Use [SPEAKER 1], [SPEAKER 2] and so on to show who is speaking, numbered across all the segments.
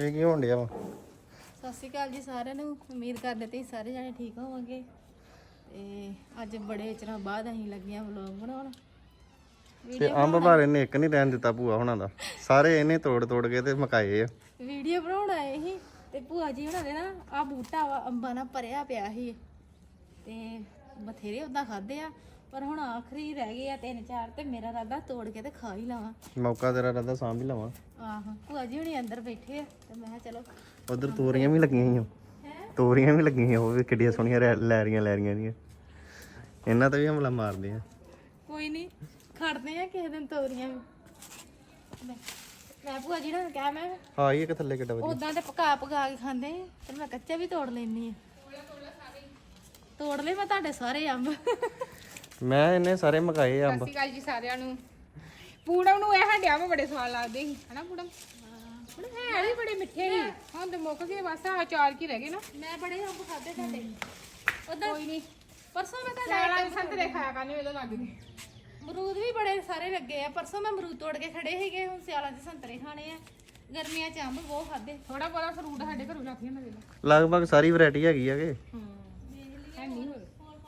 [SPEAKER 1] ਇਹ ਕੀ ਹੋਣ ਡਿਆ ਵਾ?
[SPEAKER 2] ਸਤਿ ਸ਼੍ਰੀ ਅਕਾਲ ਜੀ ਸਾਰਿਆਂ ਨੂੰ। ਉਮੀਦ ਕਰਦੇ ਤੁਸੀਂ ਸਾਰੇ ਜਣੇ ਠੀਕ ਹੋਵੋਗੇ। ਤੇ ਅੱਜ ਬੜੇ ਚਿਰਾਂ ਬਾਅਦ ਅਸੀਂ ਲੱਗੇ ਆ ਵਲੌਗ ਬਣਾਉਣ।
[SPEAKER 1] ਤੇ ਅੰਬ ਬਾਰੇ ਨੇ ਇੱਕ ਨਹੀਂ ਰਹਿਣ ਦਿੱਤਾ ਭੂਆ ਹੁਣਾਂ ਦਾ, ਸਾਰੇ ਇਹਨੇ ਤੋੜ ਕੇ ਤੇ ਮਕਾਏ ਆ।
[SPEAKER 2] ਵੀਡੀਓ ਬਣਾਉਣ ਆਏ ਸੀ ਤੇ ਭੂਆ ਜੀ ਹੁਣਾਂ ਦੇ ਨਾ ਆ ਬੂਟਾ ਵਾ ਅੰਬਾਂ ਨਾਲ ਭਰਿਆ ਪਿਆ ਸੀ ਤੇ ਬਥੇਰੇ ਉਦਾਂ ਖਾਦੇ ਆ, ਪਰ ਹੁਣ ਆਖਰੀ ਰਹਿ ਗਏ ਆ 3-4 ਤੇ ਮੇਰਾ ਰਾਦਾ ਤੋੜ ਕੇ ਤੇ ਖਾ ਹੀ ਲਵਾਂ।
[SPEAKER 1] ਮੌਕਾ ਤੇਰਾ ਰਾਦਾ ਸਾਂਭ ਹੀ ਲਵਾਂ।
[SPEAKER 2] ਆਹੋ ਭੂਆ ਜੀ ਹੁਣੀ ਅੰਦਰ ਬੈਠੇ ਆ ਤੇ ਮੈਂ ਕਿਹਾ ਚਲੋ।
[SPEAKER 1] ਉਧਰ ਤੋਰੀਆਂ ਵੀ ਲੱਗੀਆਂ ਹੋਈਆਂ, ਤੋਰੀਆਂ ਵੀ ਲੱਗੀਆਂ, ਉਹ ਵੀ ਕਿੱਡੀਆਂ ਸੋਹਣੀਆਂ ਲੈ ਰਹੀਆਂ ਦੀਆਂ। ਇਹਨਾਂ ਤੇ ਵੀ ਹਮਲਾ ਮਾਰਦੇ ਆ। ਕੋਈ
[SPEAKER 2] ਨਹੀਂ ਖੜਦੇ ਆ ਕਿਸੇ ਦਿਨ ਤੋਰੀਆਂ ਵੀ। ਮੈਂ ਭੂਆ ਜੀ ਨੂੰ ਕਿਹਾ ਮੈਂ
[SPEAKER 1] ਹਾਂ ਇਹ ਕਿ ਥੱਲੇ ਕਿੱਡਾ ਵਧੀਆ
[SPEAKER 2] ਉਦਾਂ ਤੇ ਪਕਾ ਕੇ ਖਾਂਦੇ ਆ, ਤੇ ਮੈਂ ਕੱਚਾ ਵੀ ਤੋੜ ਲੈਣੀ ਆ। ਤੋੜ ਲੈ ਮੈਂ ਤੁਹਾਡੇ ਸਾਰੇ ਅੰਬ।
[SPEAKER 1] ਮੈਂ ਇਹਨੇ ਸਾਰੇ ਮਕਾਏ ਅੰਬ।
[SPEAKER 3] ਸਤਿ ਸ਼੍ਰੀ ਅਕਾਲ ਜੀ ਸਾਰਿਆਂ ਨੂੰ। ਪੂੜਮ ਨੂੰ ਇਹ ਹੰਡਿਆ ਮੈਂ ਬੜੇ ਸਵਾਦ ਲੱਗਦੇ ਸੀ ਹਨਾ ਪੂੜਮ? ਹੈ ਵੀ ਬੜੇ ਮਿੱਠੇ ਸੀ, ਹੁਣ ਤੇ ਮੁੱਕ ਗਏ ਬਸ ਆ ਚਾਰ ਕੀ ਰਹਿ ਗਏ ਨਾ।
[SPEAKER 2] ਮੈਂ ਬੜੇ ਅੰਬ ਖਾਦੇ ਤੁਹਾਡੇ ਉਦਾਂ।
[SPEAKER 3] ਕੋਈ ਨਹੀਂ,
[SPEAKER 2] ਪਰਸੋਂ ਮੈਂ ਤਾਂ
[SPEAKER 3] ਸਿਆਲਾਂ ਦੇ ਸੰਤਰੇ ਖਾਇਆ ਕਰਨੇ ਵੇਲੇ ਲੱਗ ਗਏ।
[SPEAKER 2] ਅਮਰੂਦ ਵੀ ਬੜੇ ਸਾਰੇ ਲੱਗੇ ਆ। ਪਰਸੋਂ ਮੈਂ ਅਮਰੂਦ ਤੋੜ ਕੇ ਖੜੇ ਸੀਗੇ, ਹੁਣ ਸਿਆਲਾਂ ਦੇ ਸੰਤਰੇ ਖਾਣੇ ਆ। ਗਰਮੀਆਂ ਚ ਅੰਬ ਬਹੁਤ ਖਾਦੇ।
[SPEAKER 3] ਥੋੜਾ ਬਹੁਤਾ ਫਰੂਟ ਸਾਡੇ ਘਰੋਂ ਲੱਗ ਜਾਂਦਾ ਵੇਲੇ।
[SPEAKER 1] ਲਗਭਗ ਸਾਰੀ ਵੈਰਾਈਟੀ ਹੈਗੀ ਆ ਕਿ
[SPEAKER 3] ਹੈ ਨਹੀਂ ਹੋਰ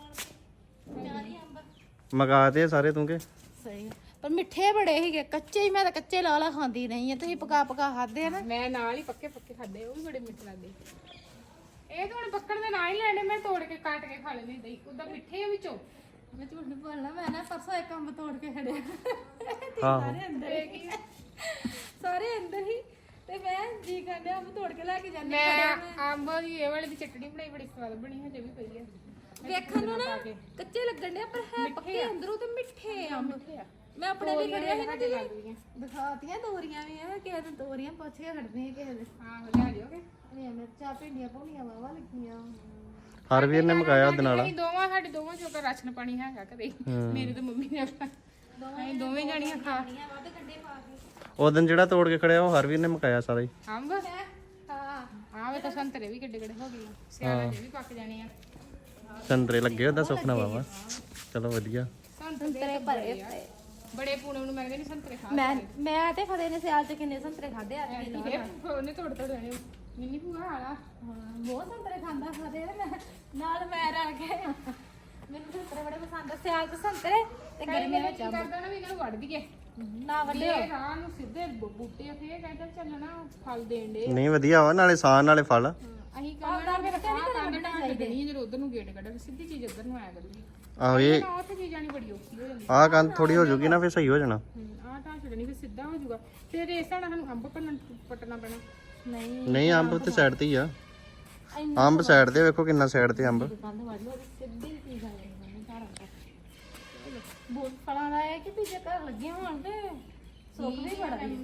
[SPEAKER 2] ਚਾਰੀ ਅੰਬ
[SPEAKER 1] ਮਕਾ ਤੇ ਸਾਰੇ ਤੂੰ ਕੇ
[SPEAKER 2] ਸਹੀ, ਪਰ ਮਿੱਠੇ ਬੜੇ ਸੀਗੇ। ਕੱਚੇ ਹੀ ਮੈਂ ਤਾਂ ਕੱਚੇ ਲਾ ਖਾਂਦੀ ਰਹੀ ਆ। ਤੁਸੀਂ ਪਕਾ ਖਾਦੇ ਆ ਨਾ।
[SPEAKER 3] ਮੈਂ ਨਾਲ ਹੀ ਪੱਕੇ ਖਾਦੇ, ਉਹ ਵੀ ਬੜੇ ਮਿੱਠੇ ਲੱਗਦੇ। ਇਹ ਤਾਂ ਹੁਣ ਪੱਕਣ ਦੇ ਨਾਲ ਹੀ ਲੈਣੇ, ਮੈਂ ਤੋੜ ਕੇ ਕੱਟ ਕੇ ਖਾ ਲੈਂਦੀ ਦਈ ਉਦਾਂ ਮਿੱਠੇ ਆ ਵਿੱਚੋਂ।
[SPEAKER 2] ਮੈਂ ਝੂਠ ਨਹੀਂ ਬੋਲਣਾ, ਮੈਂ ਨਾ ਪਰਸੋਂ ਇੱਕ ਅੰਬ ਤੋੜ ਕੇ ਖੜਿਆ।
[SPEAKER 1] ਹਾਂ
[SPEAKER 2] ਸਾਰੇ ਅੰਦਰ ਸਾਰੇ ਅੰਦਰ ਹੀ ਤੇ ਮੈਂ ਜੀ ਕਰਨੇ ਅੰਬ ਤੋੜ ਕੇ ਲੈ ਕੇ ਜਾਂਦੀ।
[SPEAKER 3] ਮੈਂ ਅੰਬ ਦੀ ਇਹ ਵਾਲੇ ਦੀ ਚਟਣੀ ਬਣਾਈ, ਬੜੀ ਸਵਾਦ ਬਣੀ, ਹਜੇ ਵੀ ਪਈ ਆ।
[SPEAKER 2] ਵੇਖਣ ਨੂੰ ਨਾ ਕੱਚੇ ਲੱਗਣ ਦੇ, ਪਰ ਹੈ ਪੱਕੇ ਅੰਦਰੋਂ ਤੇ ਮਿੱਠੇ ਅੰਬ। ਮੈਂ ਆਪਣੇ ਲਈ ਖੜਿਆ ਸੀ ਨਾ ਤੇ ਦਿਖਾਤੀਆਂ ਤੋਰੀਆਂ ਵੀ ਆ। ਕਿਸੇ ਦਿਨ ਤੋਰੀਆਂ ਪੁੱਛ ਕੇ ਖੜਦੇ ਆ ਕਿਸੇ ਦਿਨ।
[SPEAKER 3] ਹਾਂ ਲਿਆ ਦਿਓਗੇ।
[SPEAKER 2] ਹਰੀਆਂ ਮਿਰਚਾਂ, ਭਿੰਡੀਆਂ ਭੁੰਡੀਆਂ ਵਾਵਾ ਲੱਗੀਆਂ।
[SPEAKER 1] ਹਰਵੀਰ ਨੇ ਮਕਾਇਆ ਉਹਦੇ ਨਾਲ।
[SPEAKER 3] ਸਾਡੇ ਦੋਵਾਂ ਚੋਂ ਰਾਸ਼ਨ ਪਾਣੀ ਹੈਗਾ ਘਰੇ। ਮੇਰੇ ਤੇ ਮੰਮੀ ਨੇ ਅਸੀਂ ਦੋਵੇਂ ਜਾਣੀਆਂ ਖਾ
[SPEAKER 2] ਵੱਧ ਕੱਢੇ ਪਾ ਕੇ।
[SPEAKER 1] ਉਹ ਦਿਨ ਜਿਹੜਾ ਤੋੜ ਕੇ ਖੜਿਆ ਉਹ ਹਰਵੀਰ ਨੇ ਮਕਾਇਆ ਸਾਰਾ ਹੀ।
[SPEAKER 3] ਅੰਬ ਹਾਂ ਵੇ ਤਾਂ ਸੰਤਰੇ ਵੀ ਕਿੱਡੇ ਹੋ ਗਏ, ਸਿਆਲਾਂ ਦੇ ਵੀ ਪੱਕ ਜਾਣੇ ਆ।
[SPEAKER 1] ਸੰਤਰੇ ਲੱਗੇ ਉਹਦਾ ਸੁਪਨਾ ਵਾਵਾ। ਚਲੋ ਵਧੀਆ।
[SPEAKER 2] ਸੰਤਰੇ ਭਰੇ ਪਏ
[SPEAKER 3] ਬੜੇ ਪੂਣਮ ਨੂੰ ਮੈਂ ਕਹਿੰਦੀ ਸੰਤਰੇ ਖਾ।
[SPEAKER 2] ਮੈਂ ਤੇ ਫਤਿਹ ਨੇ ਸਿਆਲ ਚ ਕਿੰਨੇ ਸੰਤਰੇ ਖਾਦੇ ਆ।
[SPEAKER 3] ਉਹਨੇ ਤੋੜ ਦੇਣੇ ਮਿੰਨੀ ਭੂਆ ਵਾਲਾ।
[SPEAKER 2] ਬਹੁਤ ਸੰਤਰੇ ਖਾਂਦਾ ਫਤਿਹ ਤੇ ਮੈਂ ਨਾਲ ਮੈਂ ਰਲ ਕੇ। ਮੈਨੂੰ ਸੰਤਰੇ ਬੜੇ ਪਸੰਦ ਆ। ਸਿਆਲ ਚ ਸੰਤਰੇ ਤੇ ਗਰਮੀਆਂ ਵਿੱਚ ਅੰਬ।
[SPEAKER 3] ਕਰਦਾ ਨਾ ਵੀ ਇਹਨਾਂ ਨੂੰ ਵੱਢ ਦਈਏ
[SPEAKER 2] ਨਾ ਵੱਡੇ
[SPEAKER 3] ਇਹ ਰਾਹ ਨੂੰ ਸਿੱਧੇ ਬੂਟੇ ਉੱਥੇ ਇਹ ਕਹਿੰਦਾ ਚੱਲਣਾ ਫਲ ਦੇਣ ਦੇ।
[SPEAKER 1] ਨਹੀਂ ਵਧੀਆ ਵਾ, ਨਾਲੇ ਸਾਨ ਨਾਲੇ ਫਲ।
[SPEAKER 3] ਅਸੀਂ ਕਹਿੰਦਾ ਫਿਰ ਕੰਧ ਢਾਣ ਦੇਣੀ, ਜਦੋਂ ਉਧਰ ਨੂੰ ਗੇਟ ਕੱਢਾ ਸਿੱਧੀ ਚੀਜ਼ ਉੱਧਰ ਨੂੰ ਆਇਆ ਕਰੂਗੀ।
[SPEAKER 1] ਆਹੋ ਇਹ
[SPEAKER 3] ਉੱਥੇ ਚੀਜ਼ ਆਣੀ ਬੜੀ ਔਖੀ ਹੋ ਜਾਂਦੀ।
[SPEAKER 1] ਆਹ ਕੰਧ ਥੋੜੀ ਹੋ ਜੂਗੀ ਨਾ, ਫਿਰ ਸਹੀ ਹੋ ਜਾਣਾ।
[SPEAKER 3] ਆਹ ਢਾਂ ਛੱਡਣੀ ਫਿਰ ਸਿੱਧਾ ਹੋ ਜਾਊਗਾ। ਫਿਰ ਇਸ ਨਾਲ ਸਾਨੂੰ ਅੰਬ ਪੱਟਣਾ ਪੈਣਾ।
[SPEAKER 1] ਨਹੀਂ ਅੰਬ ਤੇ ਸਾਈਡ ਤੇ ਹੀ ਆ। ਅੰਬ ਸਾਈਡ ਤੇ ਵੇਖੋ ਕਿੰਨਾ ਸਾਈਡ ਤੇ ਅੰਬ।
[SPEAKER 2] ਕੰਧ ਵੱਢ ਲਓ ਸਿੱਧੀ ਚੀਜ਼ ਆ ਜਾਂਦੀ ਘਰਾਂ ਦਾ। ਬਹੁਤ ਫਲਾਂ ਦਾ ਹੈ ਕਿ ਦੂਜੇ ਘਰ ਲੱਗੇ ਹੋਣ ਤੇ ਸੁੱਕ ਵੀ ਬੜਾ ਹੈ।